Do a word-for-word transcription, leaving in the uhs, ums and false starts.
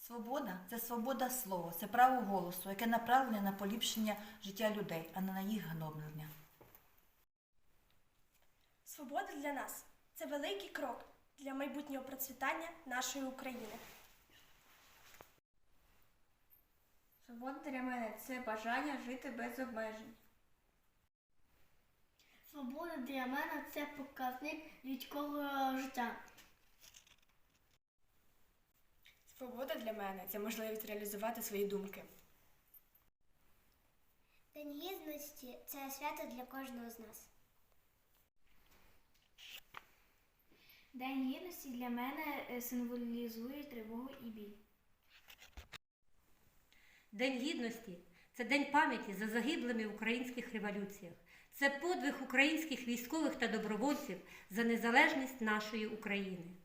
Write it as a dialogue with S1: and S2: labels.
S1: Свобода – це свобода слова, це право голосу, яке направлене на поліпшення життя людей, а не на їх гноблення.
S2: Свобода для нас – це великий крок для майбутнього процвітання нашої України.
S3: Свобода для мене – це бажання жити без обмежень.
S4: Свобода для мене – це показник людського життя.
S5: Свобода для мене – це можливість реалізувати свої думки.
S6: День гідності – це свято для кожного з нас.
S4: День гідності для мене символізує тривогу і біль.
S7: День Гідності – це день пам'яті за загиблими в українських революціях. Це подвиг українських військових та добровольців за незалежність нашої України.